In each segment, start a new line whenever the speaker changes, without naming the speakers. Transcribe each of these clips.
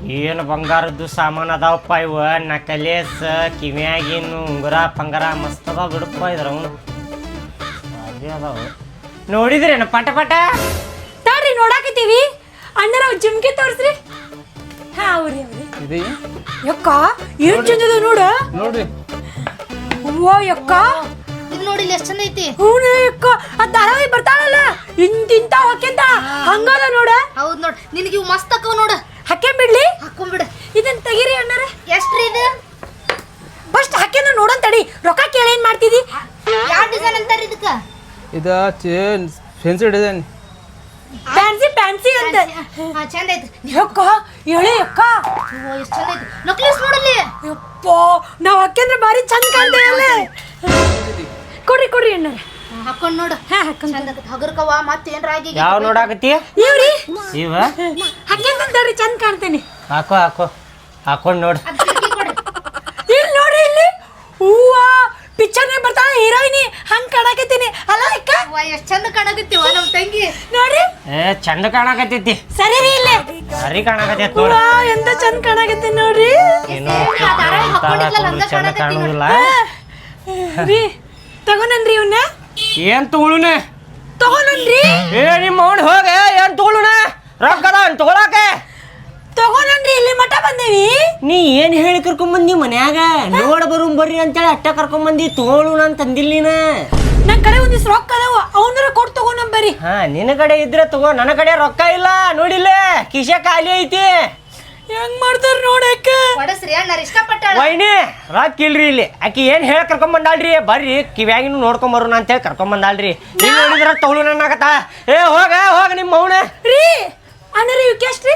ಏನು ಬಂಗಾರದ್ದು ಸಾಮಾನು ಅದಾವಪ್ಪ ಇವ ನಕಲೇಸ್ ಕಿವಿಯಾಗಿನ್ನು ಉಂಗುರ ಪಂಗರ ಮಸ್ತ್ ಅದಾವ ಬಿಡಪ್ಪ ಇದ್ರ ಅವನು ಅದೇ ಅದಾವ ನೋಡಿದ್ರೇನು ಪಟ ಪಟ
ತಾಡ್ರಿ ನೋಡಾಕತ್ತೀವಿ ಅಣ್ಣರ ಜುಮ್ಕಿ ತೋರಿಸ್ರಿ ಹಾ ಅವ್ರಿ ಅವ್ರಿ ಯಕ್ಕ ಏನ್ ಚಂದದ ನೋಡ
ನೋಡ್ರಿ
ಅವ್ವ ಯಕ್ಕ
ಇದು ನೋಡಿ ಎಷ್ಟು ಚಂದ ಐತಿ
ಹೂನೇ ಯಕ್ಕ ಆ ಧಾರಾವಾಹಿ ಬರ್ತಾಳಲ್ಲ ಇಂತಿಂತ ಹೊಕ್ಕೆಂತ ಹಂಗದ ನೋಡ
ಹೌದ್ ನೋಡ್ ನಿನಗೆ ಇವು ಮಸ್ತ್ ಅಕ್ಕವ್ ನೋಡ
ಹಾಕ್ಕೊಂಬಿಡ್ಲಿ
ಹಾಕೊಂಡ್ಬಿಡ
ಇದನ್ನ ತೆಗೀರಿ ಅಣ್ಣರ
ಎಷ್ಟ್ರಿ ಇದು
ಫಸ್ಟ್ ಹಾಕ್ಯಂದ್ರ ನೋಡನ್ ತಡಿ ರೊಕ್ಕ ಕೇಳಿ ಏನ್ ಮಾಡ್ತಿದಿ
ಯಾವ ಡಿಸೈನ್ ಅಂತಾರ ಇದಕ್ಕ
ಇದು ಫೆನ್ಸಿ ಡಿಸೈನ್
ಫ್ಯಾನ್ಸಿ ಫ್ಯಾನ್ಸಿ ಅಂತ
ಹಾ ಚಂದ ಐತಿ
ಯಕ್ಕ ಹೇಳಿ ಯಕ್ಕ
ಓ ಎಷ್ಟು ಚಂದ ಐತಿ ನಕ್ಲಿಸ್ ನೋಡಲ್ಲಿ
ಯಪ್ಪ ನಾವ್ ಹಾಕ್ಯಂದ್ರ ಬಾರಿ ಚಂದ ಕಾಣ್ತೇವಲ್ಲ ಕೊಡ್ರಿ ಕೊಡ್ರಿ ಅಣ್ಣರ
ಹಾಕೊಂಡ್ ನೋಡು
ಹಾ ಹಾಕೊಂಡ್
ಚಂದ ಹಗರ್ಕವ ಮತ್ತೆ ಏನ್ರ ಆಗಿ
ಯಾವ ನೋಡಾಕತ್ತಿ
ಇವ್ರಿ
ಇವ
ಹಾಕ್ಯಂತಂದ್ರಿ ಚಂದ ಕಾಣ್ತೇನೆ
ಹಾಕೋ ಹಾಕೋ ಹಾಕೊಂಡು ನೋಡು
ಅದ್ ಕಿಟಕಿ ಕೊಡು
ಇಲ್ಲಿ ನೋಡ್ರಿ ಇಲ್ಲಿ ಹೂವ ಪಿಕ್ಚರ್ನೇ ಬರ್ತಾಳ ಹೀರೋಯಿನಿ ಹಂಗ್ ಕಾಣಕತ್ತೀನಿ ಅಲ್ಲ ಅಕ್ಕ
ವಾ ಎಷ್ಟ್ ಚಂದ ಕಾಣಕತ್ತೀವ ನಮ್ ತಂಗಿ
ನೋಡ್ರಿ
ಚಂದ ಕಾಣಕತ್ತೈತಿ
ಸರಿ ರೀ ಇಲ್ಲಿ
ಸರಿ ಕಾಣಕತ್ತೈತಿ
ಹೂವ
ನೋಡು
ಎಂತ ಚಂದ ಕಾಣಕತ್ತೀನಿ ನೋಡ್ರಿ
ಏನೋ
ಆ ಧಾರಾವಾಹಿ ಹಾಕೊಂಡಿದ್ಲಲ್ಲ ಹಂಗ
ಚಂದ
ಕಾಣಕತ್ತಿ ನೋಡು.
ಕಾಣುದಿಲ್ಲ
ರೀ ತಗೊಂಡ್ರಿ ಇವನ್ನ
ಏನ್ ತಗೊಳುನ
ತಗೊಂಡ್ರಿ
ಏ ನಿಮ್ಮ ಅವನು ಹೋಗ ಏನ್ ತಗೊಳುನ ರೊಕ್ಕ ಅದಾವ ತಗೊಳಾಕೆ
ತಗೊಂಡ್ರಿ ಇಲ್ಲಿ ಮಠ ಬಂದೇವಿ
ನೀ ಏನ್ ಹೇಳಿ ಕರ್ಕೊಂಬಂದಿ ಮನ್ಯಾಗ ನೋಡ ಬರುಂ ಬರ್ರಿ ಅಂತೇಳಿ ಅಟ್ಟ ಕರ್ಕೊಂಬಂದಿ ತಗೊಳುನ ಅಂತ ಅಂದಿಲ್ಲ ನೀನ
ನನ್ ಕಡೆ ಒಂದಿವ್ಸ ರೊಕ್ಕ ಅದಾವ ಅವನರ ಕೊಟ್ಟು ತಗೊಂಡ್ಬರಿ
ಹಾ ನಿನ್ನ ಕಡೆ ಇದ್ರೆ ತಗೋ ನನ್ನ ಕಡೆ ರೊಕ್ಕ ಇಲ್ಲ ನೋಡಿಲ್ಲ ಕಿಶೆ ಖಾಲಿ ಐತಿ
ಹೆಂಗ್ ಮಾಡ್ತಾರ ನೋಡಕ್ಕ
ಕೊಡಸ್ರಿ ಅಣ್ಣಾರ ಇಷ್ಟಪಟ್ಟಾಳ
ವೈನಿ ರೊಕ್ಕ ಇಲ್ರಿ ಇಲ್ಲಿ ಆಕಿ ಏನ್ ಹೇಳಿ ಕರ್ಕೊಂಬಂದಾಳ್ರಿ ಬರ್ರಿ ಕಿವ್ಯಾಗಿನೂ ನೋಡ್ಕೊಂಬರೋಣ ಅಂತೇಳಿ ಕರ್ಕೊಂಬಂದಾಳ್ರಿ ನೀನ್ ನೋಡಿದ್ರ ತಗೊಳು ನನ್ನಾಗತ್ತ ಏ ಹೋಗ ಹೋಗ ನಿಮ್ಮ ಅವನ
ರೀ ಅಣ್ಣರ ಇವಕ್ಕೆ ಎಷ್ಟ್ರಿ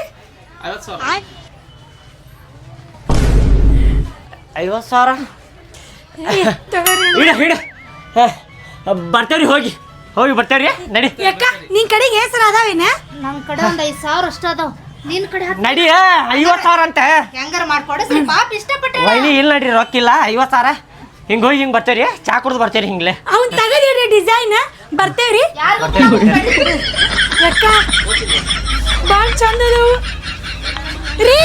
50,000
ತಗೋರಿ
ಹಿಡ ಹಿಡ ಬರ್ತೇವ್ರಿ ಹೋಗಿ ಹೋಗಿ ಬರ್ತೇವ್ರಿ ನಡಿ
ಯಾಕ ನಿನ್ ಕಡೆಗೆ ಹೆಸರು ಅದಾವೇನ
ನಮ್ ಕಡೆ ಒಂದ್ 5,000 ಅಷ್ಟ ಅದಾವ ನಿನ್ ಕಡೆ
ನಡಿ 50,000 ಅಂತ
ಹೆಂಗಾರ ಮಾಡ್ಕೊಡಸ್ರಿ ಪಾಪ ಇಷ್ಟಪಟ್ಟಾಳ
ವೈನಿ ಇಲ್ಲ ನಡ್ರಿ ರೊಕ್ಕ ಇಲ್ಲ 50,000 ಹಿಂಗ ಹೋಗಿ ಹಿಂಗ್ ಬರ್ತೇವ್ರಿ ಚಾ ಕುಡ್ದು ಬರ್ತೇವ್ರಿ ಹಿಂಗ್ಲೆ
ಅವ್ನ್ ತಗದಿರಿ ಡಿಸೈನ್ ಬರ್ತೇವ್ರಿ ಯಾಕ ಬಾಳ್ ಚಂದ ಅದಾವು ರೀ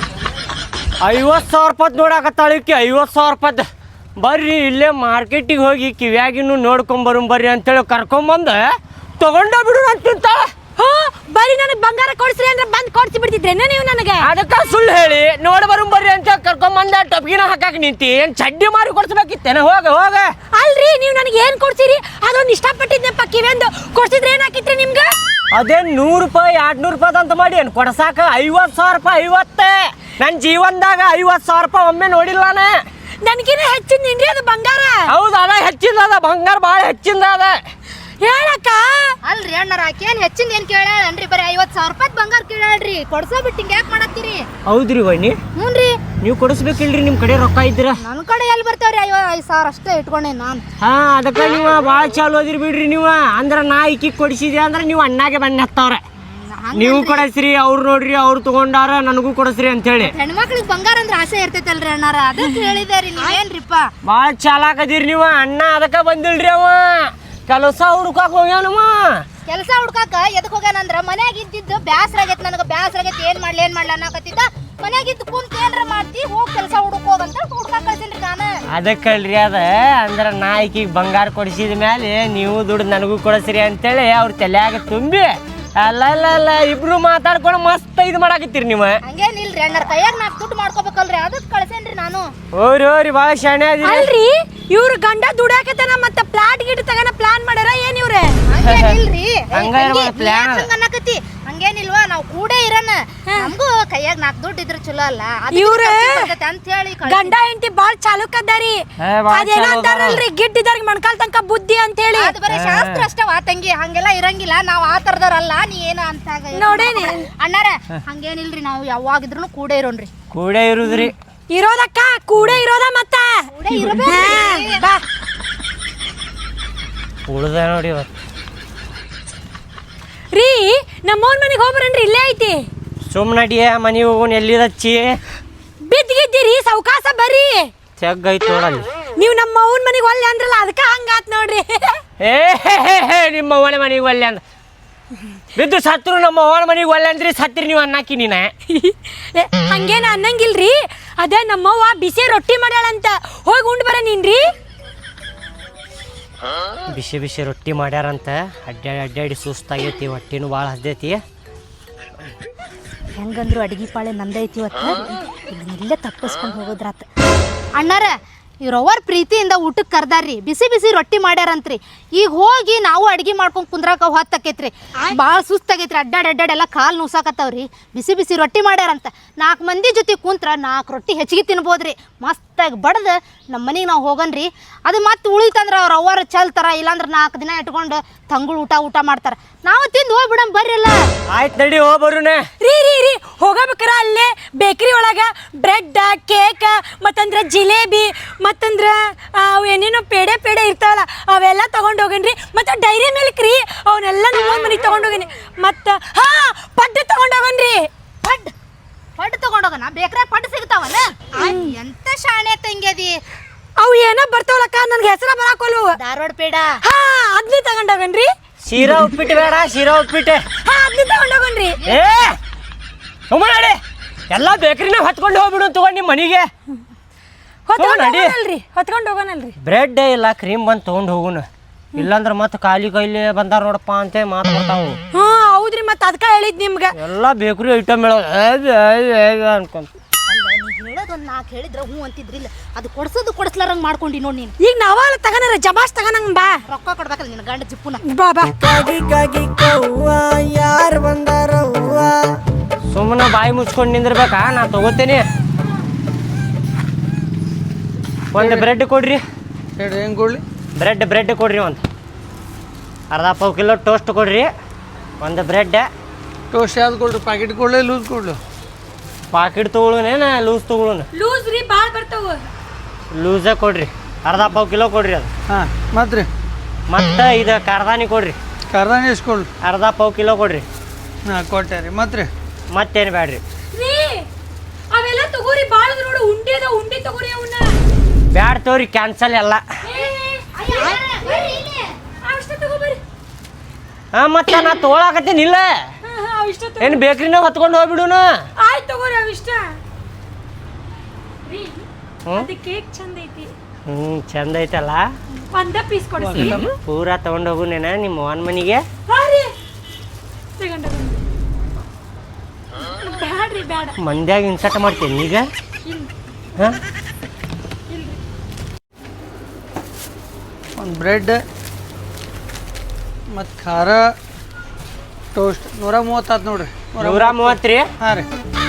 50,000 ರೂಪಾಯಿ ನೋಡಾಕತ್ತಾಳಿಕ್ಕೆ 50,000 ರೂಪಾಯಿ ಬರ್ರಿ ಇಲ್ಲೇ ಮಾರ್ಕೆಟಿಗೆ ಹೋಗಿ ಕಿವ್ಯಾಗಿನೂ ನೋಡ್ಕೊಂಬರು ಬರ್ರಿ ಅಂತೇಳಿ ಕರ್ಕೊಂಬಂದ ತಗೊಂಡ ಬಿಡು ಅಂತಿಂತಾಳ
ಹೋ ಬರೀ ನನಗೆ ಬಂಗಾರ ಕೊಡ್ಸ್ರಿ ಅಂದ್ರೆ ಬಂದ್ ಕೊಡ್ಸಿ ಬಿಡ್ತಿದ್ರೇನ ನೀವು ನನಗೆ
ಅದಕ್ಕ ಸುಳ್ಳು ಹೇಳಿ ನೋಡಿ ಬರು ಬರ್ರಿ ಅಂತ ಕರ್ಕೊಂಬಂದ ಟೊಪ್ಗಿನ ಹಾಕಾಕ ನಿಂತಿ ಏನ್ ಚಡ್ಡಿ ಮಾರಿ ಕೊಡ್ಸ್ಬೇಕಿತ್ತೇನ ಹೋಗ ಹೋಗ
ಅಲ್ರಿ ನೀವು ನನಗೆ ಏನ್ ಕೊಡ್ಸಿರಿ ಅದೊಂದು ಇಷ್ಟಪಟ್ಟಿದ್ನಪ್ಪ ಕಿವೆಂದು ಕೊಡ್ಸಿದ್ರೆ ಏನಾಕಿತ್ರಿ ನಿಮ್ಗೆ
ಅದೇನ್ 100 ರೂಪಾಯಿ 200 ರೂಪಾಯಿ ಅಂತ ಮಾಡಿ ಏನ್ ಕೊಡ್ಸಾಕ 50,000 ರೂಪಾಯಿ 50 ನನ್ನ ಜೀವನದಾಗ 50,000 ರೂಪಾಯಿ ಒಮ್ಮೆ ನೋಡಿಲ್ಲ
ನನಗಿನ ಹೆಚ್ಚಿನ್ರಿ ಅದು ಬಂಗಾರ
ಹೌದು ಅದ ಹೆಚ್ಚಿಂದ ಅದ ಬಂಗಾರ ಭಾಳ ಹೆಚ್ಚಿಂದ ಅದ
ಹೇಳಕ್ಕ
ಅಲ್ರಿ ಅಣ್ಣಾರ ಆಕೇನ್ ಹೆಚ್ಚಿಂದ ಏನ್ ಕೇಳಾಳನ್ರಿ ಬರೀ 50,000 ರೂಪಾಯಿ ಬಂಗಾರ ಕೇಳಾಳ್ರಿ ಕೊಡ್ಸೋ ಬಿಟ್ಟು ಹಿಂಗ ಯಾಕೆ ಮಾಡತ್ತೀರಿ
ಹೌದ್ರಿ ವೈನಿ
ಹ್ಞೂನ್ರಿ
ನೀವು ಕೊಡಿಸ್ಬೇಕಿಲ್ರಿ ನಿಮ್ಮ ಕಡೆ ರೊಕ್ಕ ಇದ್ರ
ನನ್ನ ಕಡೆ ಎಲ್ಲಿ ಬರ್ತಾವ್ರಿ 5,000 ಅಷ್ಟೇ ಇಟ್ಕೊಂಡೆ ನಾನು
ಹಾ ಅದಕ್ಕೆ ನೀವು ಭಾಳ ಚಾಲು ಓದಿರಿ ಬಿಡ್ರಿ ನೀವು ಅಂದ್ರ ನಾ ಈಕಿಗೆ ಕೊಡಿಸಿದೆ ಅಂದ್ರೆ ನೀವು ಅಣ್ಣಾಗೆ ಬನ್ನಿ ಹತ್ತವ್ರೆ ನೀವು ಕೊಡಸ್ರಿ ಅವ್ರು ನೋಡ್ರಿ ಅವ್ರು ತಗೊಂಡಾರ ನನಗೂ ಕೊಡಸ್ರಿ ಅಂತ ಹೇಳಿ
ಹೆಣ್ಮಕ್ಳಿಗೆ ಬಂಗಾರ ಅಂದ್ರೆ ಆಸೆ ಇರ್ತೈತಲ್ರಿ ಅಣ್ಣಾರ ಅದಕ್ಕೆ ಹೇಳಿದಾರಿ ನೀವೇನ್ರಿಪ್ಪ
ಭಾಳ ಚಾಲಾಕದಿರಿ ನೀವು ಅಣ್ಣ ಅದಕ್ಕೆ ಬಂದಿಲ್ರಿ ಅವ ಕೆಲಸ ಹುಡುಕಾಕ ಹೋಗ್ಯಾನವ
ಕೆಲಸ ಹುಡ್ಕಾಕ ಎದಕ್ ಹೋಗ್ಯಾನಂದ್ರ ಮನ್ಯಾಗ ಇದ್ದಿದ್ದು ಬ್ಯಾಸರ ಆಗೈತಿ ನನಗೆ ಬ್ಯಾಸರ ಆಗೈತಿ ಏನ್ ಮಾಡ್ಲಿ ಅನ್ನಕತ್ತಿದ್ದ ಮನ್ಯಾಗ ಇದ್ದು ಕುಂತ ಏನ್ರ ಮಾಡ್ತಿ ಹೋಗಿ ಕೆಲಸ ಹುಡುಕೋಗಂತ ಹುಡ್ಕಾಕ ಕಳ್ಸೇನ್ರಿ ನಾನು
ಅದಕ್ಕಲ್ರಿ ಅದ ಅಂದ್ರ ನಾ ಈಕಿಗೆ ಬಂಗಾರ ಕೊಡಿಸಿದ ಮೇಲೆ ನೀವು ದುಡ್ಡು ನನಗೂ ಕೊಡಸ್ರಿ ಅಂತೇಳಿ ಅವ್ರ ತಲೆಯಾಗ ತುಂಬಿ ಅಲ್ಲ ಇಬ್ರು ಮಾತಾಡ್ಕೊಂಡು ಮಸ್ತ್ ಇದು ಮಾಡಾಕತ್ತೀರಿ ನೀವು
ಹಂಗೇನಿಲ್ರಿ ಅಣ್ಣಾರ ಕೈಯಾಗ 4 ದುಡ್ಡು ಮಾಡ್ಕೋಬೇಕಲ್ರಿ ಅದಕ್ಕೆ ಕಳ್ಸೇನ್ರಿ ನಾನು
ಓರಿ ಭಾಳ ಶಾಣೆ ಅದಿರಿ
ಅಲ್ರಿ ಇವ್ರ ಗಂಡ ದುಡ್ಯಾಕತನ ಮತ್ತ ಪ್ಲಾಟ್ ಗಿಟ್ ತಗನ ಪ್ಲಾನ್ ಮಾಡ್ಯಾರ ಏನ್ ಇವ್ರೆ
ಹಂಗೇನಿಲ್ರಿ
ಪ್ಲಾನ್
ಅನ್ನಕತ್ತಿ ಹಂಗೇನಿಲ್ವಾ ನಾವು ಕೂಡೇ ಇರೋಣ ನಮಗೂ ಕೈಯಾಗ 4 ದುಡ್ಡು ಇದ್ರೆ ಚಲೋ ಅಲ್ಲ
ಇವ್ರ
ಅಂತ ಹೇಳಿ
ಗಂಡ ಹೆಂಡತಿ ಬಾಳ್ ಚಾಲುಕದ್ದಾರಿ ಅದೇನ ಅಂತಾರಲ್ರಿ ಗಿಡ್ಡಿದವ್ರಿಗೆ ಮಣ್ಕಾಲ್ ತನಕ ಬುದ್ಧಿ ಅಂತ ಹೇಳಿ
ಅದು ಬರೀ ಶಾಸ್ತ್ರ ಅಷ್ಟೇ ತಂಗಿ ಹಂಗೆಲ್ಲ ಇರಂಗಿಲ್ಲ ನಾವ್ ಆ ತರದವ್ರಲ್ಲ ನೀ ಏನ ಅಂತ
ನೋಡೇನಿ
ಅಣ್ಣಾರ ಹಂಗೇನಿಲ್ರಿ ನಾವು ಯಾವಾಗಿದ್ರು ಕೂಡೇ ಇರೋಣ್ರಿ
ಕೂಡೇ ಇರುದ್ರಿ
ಇರೋದಕ್ಕ ಕೂಡೇ ಇರೋದ ಮತ್ತ ಬಾ
ಉಳ್ದ ನೋಡಿ ಇವತ್ತು
ರೀ ನಮ್ಮೋನ್ ಮನೆಗೆ ಹೋಗ್ಬರನ್ರಿ ಇಲ್ಲೇ ಐತಿ
ಸುಮ್ಮನಡಿಯ ಮನೆ ಹೋಗೋಣ ಎಲ್ಲಿದಚ್ಚಿ
ಬಿದ್ದಿದ್ದೀರಿ ಸೌಕಾಸ ಬರ್ರಿ
ತೆಗ್ಗೈತ್ ನೋಡಲ್ಲಿ
ನೀವು ನಮ್ಮ ಅವ್ನ ಮನೆಗೆ ಒಲ್ಲೆ ಅಂದ್ರಲ್ಲ ಅದಕ್ಕೆ ಹಂಗಾತ್ ನೋಡ್ರಿ
ಏ ನಿಮ್ಮ ಅವನ ಮನೆಗೆ ಒಲ್ಲೆ ಅಂದ ಬಿದ್ದು ಸತ್ರು ನಮ್ಮ ಅವ್ವನ ಮನೆಗೆ ಒಳ್ಳೆ ಅಂದ್ರಿ ಸತ್ರಿ ನೀವು ಅನ್ನಕ್ಕೆ ನೀನ
ಹಂಗೇನ ಅನ್ನಂಗಿಲ್ರಿ ಅದೇ ನಮ್ಮವ್ವ ಬಿಸಿ ರೊಟ್ಟಿ ಮಾಡ್ಯಾಳಂತ ಹೋಗಿ ಉಂಡು ಬರ ನೀನ್ರಿ.
ಬಿಸಿ ಬಿಸಿ ರೊಟ್ಟಿ ಮಾಡ್ಯಾರಂತ ಅಡ್ಡಾಡಿ ಸುಸ್ತಾಗೈತಿ, ಹೊಟ್ಟಿನೂ ಭಾಳ ಹಸ್ದೈತಿ.
ಹೆಂಗಂದ್ರು ಅಡಿಗೆ ಪಾಳೆ ನಂದೈತಿ ಇವತ್ತು, ಇಲ್ಲೇ ತಪ್ಪಿಸ್ಕೊಂಡು ಹೋಗೋದ್ರಾತ. ಅಣ್ಣಾರ ಇವ್ರವ್ರ ಪ್ರೀತಿಯಿಂದ ಊಟಕ್ಕೆ ಕರ್ದಾರ್ರಿ, ಬಿಸಿ ಬಿಸಿ ರೊಟ್ಟಿ ಮಾಡ್ಯಾರಂತ್ರಿ. ಈಗ ಹೋಗಿ ನಾವು ಅಡಿಗೆ ಮಾಡ್ಕೊಂಡು ಕುಂದ್ರಾಕ ಹೊತ್ತಾಕೈತ್ರಿ, ಭಾಳ ಸುಸ್ತಾಗೈತ್ರಿ. ಅಡ್ಡಾಡಿ ಎಲ್ಲ ಕಾಲು ನುಸಾಕತ್ತವ್ರಿ. ಬಿಸಿ ಬಿಸಿ ರೊಟ್ಟಿ ಮಾಡ್ಯಾರಂತ 4 ಮಂದಿ ಜೊತೆ ಕುಂತ್ರ 4 ರೊಟ್ಟಿ ಹೆಚ್ಚಿಗೆ ತಿನ್ಬೋದ್ರಿ. ಮಸ್ತಾಗಿ ಬಡ್ದು ನಮ್ಮ ಮನೆಗೆ ನಾವು ಹೋಗನ್ರಿ. ಅದು ಮತ್ತೆ ಉಳಿತಂದ್ರೆ ಅವ್ರ ಅವ್ವಾರ ಚಲ್ತಾರ, ಇಲ್ಲಾಂದ್ರೆ 4 ದಿನ ಇಟ್ಕೊಂಡು ತಂಗುಳು ಊಟ ಮಾಡ್ತಾರ. ನಾವು ತಿಂದು ಹೋಗ್ಬಿಡಮ್ ಬರ್ರಿಲ್ಲ.
ಆಯ್ತು ನಡಿ ಹೋಗ್ಬರುನ.
ರೀ ಹೋಗಬೇಕಾರ ಅಲ್ಲೇ ಬೇಕ್ರಿ ಒಳಗ ಬ್ರೆಡ್ ಕೇಕ್ ಮತ್ತಂದ್ರ ಜಿಲೇಬಿ ಮತ್ತಂದ್ರ ಏನೇನೋ ಪೇಡೆ ಇರ್ತಾವಲ್ಲ ಅವೆಲ್ಲ ತಗೊಂಡು ಹೋಗೇನ್ರಿ. ಮತ್ತು ಡೈರಿ ಮಿಲ್ಕ್ ರೀ ಅವನ್ನೆಲ್ಲ ನಮ್ಮ ಮನೆಗೆ ತಗೊಂಡು ಹೋಗೇನಿ. ಮತ್ತು ಪಡ್ಡು ತಗೊಂಡು ಹೋಗನ್ರಿ.
ಪಡ್ಡು ತಗೊಂಡೋಗನ ಬೇಕ್ರೆ ಪಡ್ಡು ಸಿಗ್ತಾವನ? ಎಂತ ಶಾಣೆ ತಂಗ್ಯದಿ.
ಅವು ಏನೋ ಬರ್ತಾವಲ್ಲಕ್ಕ ನನ್ಗೆ ಹೆಸರ ಬರಾಕೋಲ್ವು.
ಧಾರವಾಡ ಪೇಡ
ಅದ್ನಿ ತಗೊಂಡು ಹೋಗನ್ರಿ.
ಶೀರಾ ಉಪ್ಪಿಟ್ಟು ಬೇಡ, ಶೀರಾ ಉಪ್ಪಿಟ್ಟು
ಅದ್ನಿ ತಗೊಂಡು ಹೋಗನ್ರಿ.
ನಡಿ ಎಲ್ಲ ಬೇಕ್ರಿನ ಹೊತ್ಕೊಂಡು ಹೋಗ್ಬಿಡು ತಗೊಂಡು ನಿಮ್ಮ ಮನೆಗೆ.
ಹೊತ್ಕೊಂಡು ಹೋಗೋಣಲ್ರಿ.
ಬ್ರೆಡ್ ಇಲ್ಲ ಕ್ರೀಮ್ ಬಂದು ತೊಗೊಂಡು ಹೋಗುಣ, ಇಲ್ಲಾಂದ್ರೆ ಮತ್ತೆ ಖಾಲಿ ಕೈಲಿ ಬಂದಾರ ನೋಡಪ್ಪ ಅಂತ ಮಾತು ಬರ್ತಾವು.
ಹೌದ್ರಿ, ಮತ್ತೆ ಅದಕ್ಕೆ ಹೇಳಿದ್ ನಿಮ್ಗೆ
ಎಲ್ಲ ಬೇಕ್ರಿ ಐಟಮ್ ಅನ್ಕೊಂತ.
ಹೇಳೋದೊಂದು 4 ಹೇಳಿದ್ರೆ ಹ್ಞೂ ಅಂತಿದ್ರಿಲ್ಲ, ಅದು ಕೊಡ್ಸ್ಲಾರಂಗೆ ಮಾಡ್ಕೊಂಡಿ ನೋಡಿ ನೀನು.
ಈಗ ನಾವಲ್ಲ ತಗೋಣ ಜಮಾಸ್ ತಗೋಣಂಗ ಬಾ.
ರೊಕ್ಕ ಕೊಡ್ಬೇಕಲ್ಲ ನಿನ್ನ ಗಂಡ ಜಿಪ್ಪುನ.
ಬಾ
ಯಾರು ಬಂದಾರ ಸುಮ್ಮನೆ ಬಾಯಿ ಮುಚ್ಕೊಂಡು ನಿಂದಿರ್ಬೇಕಾ? ನಾ ತಗೋತೇನೆ. ಒಂದು ಬ್ರೆಡ್ ಕೊಡ್ರಿ.
ಹೇಳಿ ಹೆಂಗೆ ಕೊಡ್ಲಿ?
ಬ್ರೆಡ್ ಕೊಡ್ರಿ, ಒಂದು ಅರ್ಧ ಪಾವು ಕಿಲೋ ಟೋಸ್ಟ್ ಕೊಡ್ರಿ, ಒಂದು ಬ್ರೆಡ್.
ಟೋಸ್ಟ್ ಯಾವ್ದು ಕೊಡ್ರಿ? ಪ್ಯಾಕೆಟ್ ಕೊಡ್ಲಿ ಲೂಸ್ ಕೊಡ್ಲಿ?
ಪಾಕೆಟ್ ತೊಗೊಳುನೇನ ಲೂಸ್ ತೊಗೊಳುನ?
ಲೂಸ್ ರೀ ಭಾಳ ಬರ್ತಾವ.
ಲೂಸೇ ಕೊಡ್ರಿ, ಅರ್ಧ ಪಾವು ಕಿಲೋ ಕೊಡ್ರಿ ಅದು.
ಹಾಂ ಮತ್ತೆ ರೀ?
ಮತ್ತು ಇದು ಕಾರ್ದಾನಿ ಕೊಡ್ರಿ,
ಕಾರ್ದಾನಿ ಎಷ್ಟು ಕೊಡ್ಲಿ?
ಅರ್ಧ ಪಾವು ಕಿಲೋ ಕೊಡ್ರಿ.
ಹಾಂ ಕೊಟ್ಟೆ ರೀ. ಮತ್ತೆ ರೀ?
ಮತ್ತೇನು ಬೇಡ್ರಿ.
ಅವೆಲ್ಲ ತಗೋರಿ, ಭಾಳ ನೋಡು ಉಂಡಿ ತಗೋರಿ. ಅವನ್ನ
ಬ್ಯಾಡ ತಗೋರಿ, ಕ್ಯಾನ್ಸಲ್ ಎಲ್ಲ. ಹಾಂ ಮತ್ತೆ ನಾ ತೊಗೊಳಕತ್ತೀನಿಲ್ಲ, ಏನು ಬೇಕ್ರಿನ ಹೊತ್ಕೊಂಡು ಹೋಗ್ಬಿಡುನು.
ಆಯ್ತು ತಗೋರಿ ಅವಿಷ್ಟ. ಕೇಕ್ ಚಂದ ಐತಿ.
ಚಂದ ಐತಲ್ಲ,
ಒಂದ ಪೀಸ್ ಕೊಡಿಸಿ.
ಪೂರಾ ತಗೊಂಡು ಹೋಗುನೇನ ನಿಮ್ಮ ಅವನ ಮನೆಗೆ?
ಬ್ಯಾಡ್ರಿ ಬ್ಯಾಡ,
ಮಂದ್ಯಾಗ ಇನ್ಸರ್ಟ್ ಮಾಡ್ತೇನೆ ಈಗ. ಹಾಂ
ಒಂದು ಬ್ರೆಡ್ ಮತ್ತು ಖಾರ ಟೋಸ್ಟ್ 130 ಆತು ನೋಡ್ರಿ.
130 ರೀ?
ಹಾಂ ರೀ.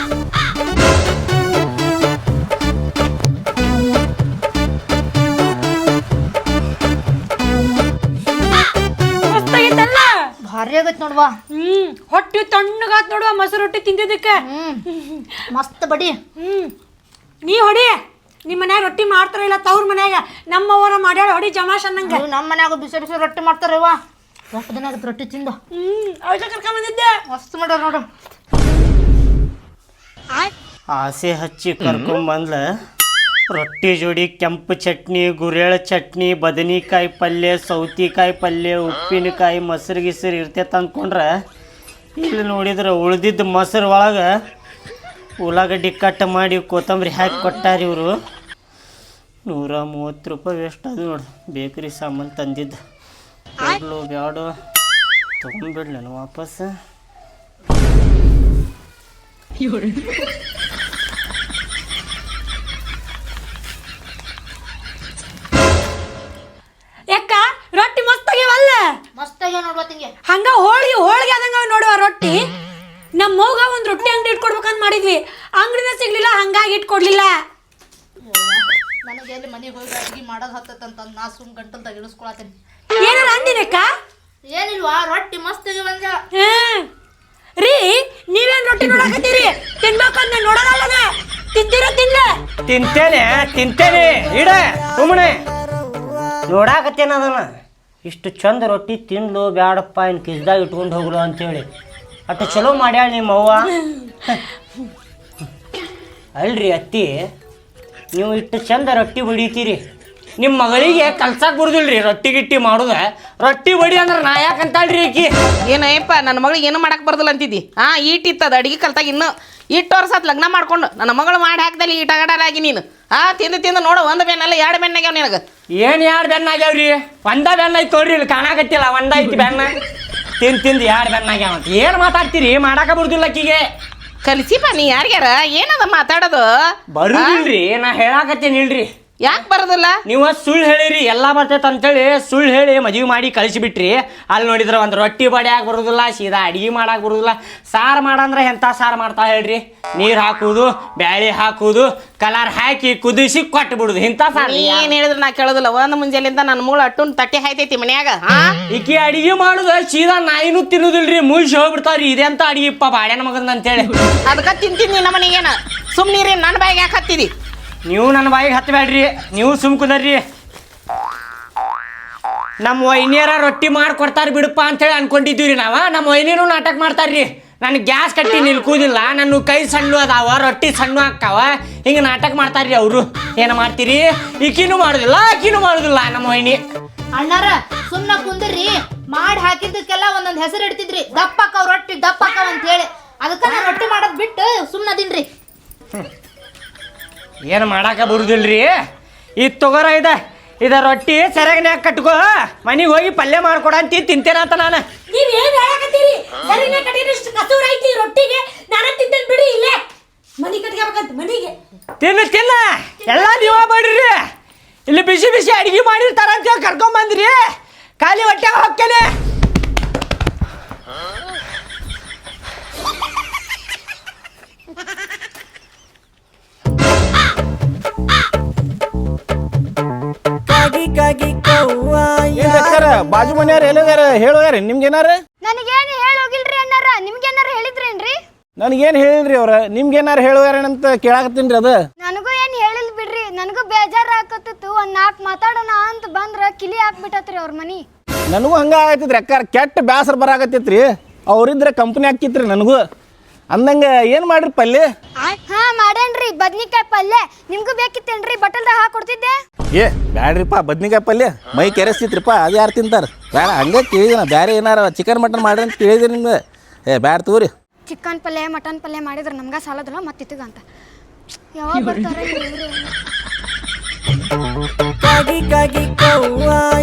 ಭಾರಿ ಆಗೈತೆ ನೋಡ್ವಾ.
ಹೊಟ್ಟಿ ತಣ್ಣಗಾತ್ ನೋಡುವ ಮೊಸರು ರೊಟ್ಟಿ ತಿಂದಿದ್ದಕ್ಕೆ.
ಮಸ್ತ್ ಬಡಿ.
ನೀ ಹೊಡಿ, ನಿಮ್ಮ ಮನ್ಯಾಗ ರೊಟ್ಟಿ ಮಾಡ್ತಾರ ಇಲ್ಲ ತವ್ರ ಮನ್ಯಾಗ? ನಮ್ಮವರ ಮಾಡ್ಯಾಳ ಹೊಡಿ ಜಮಾಶ್ ಅನ್ನಂಗ.
ನಮ್ಮ ಮನ್ಯಾಗ ಬಿಸಿ ಬಿಸಿ ರೊಟ್ಟಿ ಮಾಡ್ತಾರವ್ವ. ಎಷ್ಟು ದಿನ ಆಗತ್ತೆ ರೊಟ್ಟಿ ತಿಂದು.
ಅವಶ್ಯ ಕರ್ಕೊಂಡ್ ಬಂದಿದ್ದೆ.
ಮಸ್ತ್ ಮಾಡ್ಯಾರ ನೋಡು.
ಆಸೆ ಹಚ್ಚಿ ಕರ್ಕೊಂಬಂದ್ಲ ರೊಟ್ಟಿ ಜೋಡಿ ಕೆಂಪು ಚಟ್ನಿ, ಗುರೇಳ ಚಟ್ನಿ, ಬದನಿಕಾಯಿ ಪಲ್ಯ, ಸೌತಿಕಾಯಿ ಪಲ್ಯ, ಉಪ್ಪಿನಕಾಯಿ, ಮೊಸರು ಗಿಸರು ಇರ್ತೈತೆ ಅಂದ್ಕೊಂಡ್ರೆ ಇಲ್ಲಿ ನೋಡಿದ್ರೆ ಉಳ್ದಿದ್ದು ಮೊಸರು ಒಳಗೆ ಉಳ್ಳಾಗಡ್ಡಿ ಕಟ್ ಮಾಡಿ ಕೊತ್ತಂಬರಿ ಹಾಕಿ ಕೊಟ್ಟಾರ ಇವರು. 130 ರೂಪಾಯಿ ವೇಸ್ಟ್ ಅದು ನೋಡಿ. ಬೇಕ್ರಿ ಸಾಮಾನು ತಂದಿದ್ದು ಕೊಡ್ಲು ಬ್ಯಾಡು ತೊಗೊಂಡ್ಬಿಡ್ಲಿ ನಾನು ವಾಪಸ್.
ಯಾಕ ರೊಟ್ಟಿ ಮಸ್ತಾಗ್ಯವಲ್ಲ?
ಮಸ್ತಾಗ್ಯಾವ ನೋಡುವ ತಿಂಗೆ.
ಹಂಗ ಹೋಳಿಗೆ ಆದಂಗ ನೋಡುವ ರೊಟ್ಟಿ. ನಮ್ಮ ಮೌಗ ಒಂದು ರೊಟ್ಟಿ ಅಂಗಡಿ ಇಟ್ಕೊಡ್ಬೇಕಂತ ಮಾಡಿದ್ವಿ, ಅಂಗಡಿನ ಸಿಗ್ಲಿಲ್ಲ, ಹಂಗಾಗಿ ಇಟ್ಕೊಡ್ಲಿಲ್ಲ.
ನನಗೆ ಎಲ್ಲಿ ಮನೆಗೆ ಹೋಗಿ ಅಡ್ಗೆ ಮಾಡೋದು ಹತ್ತಂತ ನಾ ಸುಮ್ ಗಂಟಲ್ದಾಗ ಇಳಿಸ್ಕೊಳತ್ತೇನೆ.
ಏನಾರ ಅಂದಿನಕ್ಕ?
ಏನಿಲ್ವಾ, ರೊಟ್ಟಿ ಮಸ್ತ್ ಆಗ್ಯಾವಂದ.
ರೀ ನೀವೇನ್ ರೊಟ್ಟಿ ನೋಡಕತ್ತೀರಿ? ತಿನ್ಬೇಕಂತ ನೋಡೋದಲ್ಲ, ತಿಂತೀರ?
ತಿಂತೇನೆ ಇಡ ಸುಮ್ಮನೆ ನೋಡಾಕತ್ತೇನ ಅದನ್ನ. ಇಷ್ಟು ಚಂದ ರೊಟ್ಟಿ ತಿನ್ಲು ಬ್ಯಾಡಪ್ಪ, ಇನ್ನು ಕಿಸ್ದಾಗ ಇಟ್ಕೊಂಡು ಹೋಗ್ಲು ಅಂತೇಳಿ ಅಷ್ಟು ಚಲೋ ಮಾಡ್ಯಾಳ ನಿಮ್ಮ ಅವ್ವ. ಅಲ್ರಿ ಅತ್ತಿ, ನೀವು ಇಷ್ಟು ಚಂದ ರೊಟ್ಟಿ ಹೊಡಿತೀರಿ, ನಿಮ್ಮ ಮಗಳಿಗೆ ಕಲ್ಸಕ್ಕೆ ಬರುದಿಲ್ರಿ ರೊಟ್ಟಿ ಗಿಟ್ಟಿ ಮಾಡುದ ರೊಟ್ಟಿ ಬಡಿ ಅಂದ್ರೆ ನಾ ಯಾಕಂತಾಳ್ರಿ ಆಕಿ
ಏನಯ್ಯಪ್ಪ ನನ್ನ ಮಗಳಿಗೆ ಏನು ಮಾಡಕ್ಕೆ ಬರ್ದಿಲ್ಲ ಅಂತಿದ್ದಿ ಈಟಿತ್ತದ ಅಡಿಗೆ ಕಲ್ತಾಗ ಇನ್ನು 8 ವರ್ಷ ಆತ್ ಲಗ್ನ ಮಾಡ್ಕೊಂಡು ನನ್ನ ಮಗಳು ಮಾಡಿ ಹಾಕ್ದಲ್ಲಿ ಈಟಗಡಾಗಿ ನೀನು ತಿಂದು ನೋಡು ಒಂದು ಬೆನ್ನಲ್ಲ 2 ಬೆನ್ನಾಗ್ಯಾವ ನಿನಗೆ
ಏನು 2 ಬೆನ್ನ ಆಗ್ಯಾವ್ರಿ ಒಂದ ಬೆನ್ನ ಐತಿ ತೋಡ್ರಿ ಇಲ್ಲಿ ಕಾಣಾಕತ್ತಿಲ್ಲ ಒಂದ ಐತಿ ಬೆನ್ನ ತಿಂದು 2 ಬೆನ್ನ ಆಗ್ಯಾವಂತ ಏನು ಮಾತಾಡ್ತೀರಿ ಮಾಡಾಕ ಬರುದಿಲ್ಲ ಆಕಿಗೆ
ಕಲಿಸಿಪ್ಪ ನೀ ಯಾರ್ಯಾರ ಏನದ ಮಾತಾಡೋದು
ಬರುದಿಲ್ರಿ ನಾ ಹೇಳಾಕತ್ತೇನೆ ಇಲ್ರಿ
ಯಾಕೆ ಬರೋದಿಲ್ಲ
ನೀವು ಸುಳ್ಳು ಹೇಳಿರಿ ಎಲ್ಲ ಬರ್ತೈತೆ ಅಂತೇಳಿ ಸುಳ್ಳು ಹೇಳಿ ಮದುವೆ ಮಾಡಿ ಕಳಿಸಿಬಿಟ್ರಿ ಅಲ್ಲಿ ನೋಡಿದ್ರೆ ಒಂದು ರೊಟ್ಟಿ ಬಡಿಯಾಕ ಬರೋದಿಲ್ಲ ಸೀದಾ ಅಡಿಗೆ ಮಾಡಕ್ಕೆ ಬರೋದಿಲ್ಲ ಸಾರು ಮಾಡಂದ್ರೆ ಎಂಥ ಸಾರು ಮಾಡ್ತಾ ಹೇಳ್ರಿ ನೀರು ಹಾಕುವುದು ಬ್ಯಾಳೆ ಹಾಕುವುದು ಕಲರ್ ಹಾಕಿ ಕುದಿಸಿ ಕೊಟ್ಟು ಬಿಡುದು ಇಂಥ ಸಾರು
ಏನು ಹೇಳಿದ್ರೆ ನಾ ಕೇಳೋದಿಲ್ಲ ಒಂದು ಮುಂಜಾನೆಯಿಂದ ನನ್ನ ಮೂಳು ಅಟ್ಟುನ್ ತಟ್ಟೆ ಹಾಯ್ತೈತಿ ಮನ್ಯಾಗ
ಈಕಿ ಅಡಿಗೆ ಮಾಡುದು ಸೀದಾ ನಾಯಿನೂ ತಿನ್ನುದಿಲ್ರಿ ಮುಗಿಸಿ ಹೋಗ್ಬಿಡ್ತಾವ್ರಿ ಇದೆಂತ ಅಡಿಗೆಪ್ಪ ಬಾಡ್ಯಾನ ಮಗನ ಅಂತೇಳಿ
ಅದಕ್ಕೆ ತಿಂತೀನಿ ನಮ್ಮ ಮನೆಗೇನ ಸುಮ್ಮನಿರಿ ನನ್ನ ಬಾಯಿಗೆ ಯಾಕೆ ಹತ್ತಿದಿ
ನೀವು ನನ್ನ ಬಾಯಿಗೆ ಹತ್ತಬೇಡ್ರಿ ನೀವು ಸುಮ್ ಕುದರ್ರಿ ನಮ್ಮ ವೈನಿಯರ ರೊಟ್ಟಿ ಮಾಡ್ಕೊಡ್ತಾರೆ ಬಿಡಪ್ಪ ಅಂತೇಳಿ ಅನ್ಕೊಂಡಿದ್ದೀವಿ ರೀ ನಾವು ನಮ್ಮ ವೈನಿಯರು ನಾಟಕ ಮಾಡ್ತಾರ್ರಿ ನನಗೆ ಗ್ಯಾಸ್ ಕಟ್ಟಿ ನಿಲ್ಕುದಿಲ್ಲ ನನ್ನ ಕೈ ಸಣ್ಣ ಅದಾವ ರೊಟ್ಟಿ ಸಣ್ಣ ಹಾಕಾವ ಹಿಂಗೆ ನಾಟಕ ಮಾಡ್ತಾರ್ರಿ ಅವರು ಏನು ಮಾಡ್ತೀರಿ ಈಕಿನೂ ಮಾಡೋದಿಲ್ಲ ಆಕಿನೂ ಮಾಡೋದಿಲ್ಲ ನಮ್ಮ ವೈನಿ
ಅಣ್ಣಾರ ಸುಮ್ಮನೆ ಕುಂದ್ರಿ ಮಾಡಿ ಹಾಕಿದ್ದಕ್ಕೆಲ್ಲ ಒಂದೊಂದು ಹೆಸರು ಇಡ್ತಿದ್ರಿ ದಪ್ಪಕ್ಕವ್ ರೊಟ್ಟಿ ದಪ್ಪಕ್ಕವ್ ಅಂತ ಹೇಳಿ ಅದಕ್ಕೆ ನಾ ರೊಟ್ಟಿ ಮಾಡೋದು ಬಿಟ್ಟು ಸುಮ್ಮನೆ ಅದಿನ್ರಿ
ಏನು ಮಾಡಾಕ ಬರುದಿಲ್ರಿ ಇದು ತಗೋರ ಇದ ರೊಟ್ಟಿ ಸೆರಗನ್ಯಾಗ ಕಟ್ಕೋ ಮನೆಗೆ ಹೋಗಿ ಪಲ್ಯ ಮಾಡ್ಕೊಡ ಅಂತ ತಿಂತೇನಂತ ನಾನು
ನೀವ್ ಏನ್ ಹೇಳಕತ್ತೀರಿ ಸರಿನೇ ಕಟ್ಟಿದಷ್ಟು ಕಸೂರ ಐತಿ ರೊಟ್ಟಿಗೆ ನಾನು ತಿಂತೇನೆ ಬಿಡಿ ಇಲ್ಲೇ ಮನಿ ಕಟ್ಕೋಬೇಕಂತ ಮನಿಗೆ
ತಿನ್ನ ಎಲ್ಲ ನೀವ ಮಾಡ್ರಿ ಇಲ್ಲಿ ಬಿಸಿ ಬಿಸಿ ಅಡಿಗೆ ಮಾಡಿರ್ತಾರ ಅಂತ ಕರ್ಕೊಂಡ್ ಬಂದ್ರಿ ಖಾಲಿ ಹೊಟ್ಟೆಗೆ ಹೋಗ್ತೇನೆ
ಬಾಜು ಮನೆಯವ್ರ ಎಲ್ಲದಾರ ಹೇಳೋಯಾರ ನಿಮ್ಗೇನಾರ
ನನಗೇನು ಹೇಳೋಗಿಲ್ರಿ ಅಣ್ಣಾರ ನಿಮ್ಗೇನಾರ ಹೇಳಿದ್ರೇನ್ರಿ
ನನಗೇನು ಹೇಳಿಲ್ರಿ ಅವ್ರ ನಿಮ್ಗೇನಾರ ಹೇಳೋಯಾರೇನಂತ ಕೇಳಾಕತ್ತೀನಿ ರೀ ಅದು
ನನಗೂ ಏನು ಹೇಳಿಲ್ ಬಿಡ್ರಿ ನನಗೂ ಬೇಜಾರು ಹಾಕತ್ತಿತ್ತು ಒಂದು 4 ಮಾತಾಡೋಣ ಅಂತ ಬಂದ್ರೆ ಕಿಲಿ ಹಾಕ್ಬಿಟ್ಟತ್ರಿ ಅವ್ರ ಮನಿ
ನನಗೂ ಹಂಗೆ ಆಗತ್ತಿದ್ರಿ ಅಕ್ಕಾರ ಕೆಟ್ಟ ಬ್ಯಾಸರ ಬರಾಕತ್ತಿತ್ರಿ ಅವ್ರಿದ್ರೆ ಕಂಪ್ನಿ ಹಾಕಿತ್ರಿ ನನಗೂ ಅಂದಂಗೆ ಏನು ಮಾಡ್ರಿ ಪಲ್ಯ
ಹಾ ಮಾಡೇನ್ರಿ ಬದ್ನಿಕಾಯಿ ಪಲ್ಯ ನಿಮ್ಗೂ ಬೇಕಿತ್ತೇನ್ರಿ ಬಟಲ್ದಾಗ ಹಾಕೊಡ್ತಿದ್ದೆ
ಏ ಬ್ಯಾಡ್ರಿಪ್ಪ ಬದ್ನಿಕಾಯಿ ಪಲ್ಯ ಮೈ ಕೆರೆಸ್ತಿತ್ರಿಪ್ಪ ಅದು ಯಾರು ತಿಂತಾರೆ ಬೇಡ ಹಂಗೆ ಕೇಳಿದಿನ ಬೇರೆ ಏನಾರ ಚಿಕನ್ ಮಟನ್ ಮಾಡ್ರಿ ಅಂತ ಕೇಳಿದ್ರಿ ನಿಮ್ಗೆ ಬ್ಯಾಡ ತಗೋರಿ
ಚಿಕನ್ ಪಲ್ಯ ಮಟನ್ ಪಲ್ಯ ಮಾಡಿದ್ರೆ ನಮ್ಗೆ ಸಾಲದಲ್ಲ ಮತ್ತಿತ್ತಗ ಅಂತ ಯಾವಾಗ ಬರ್ತಾರೆ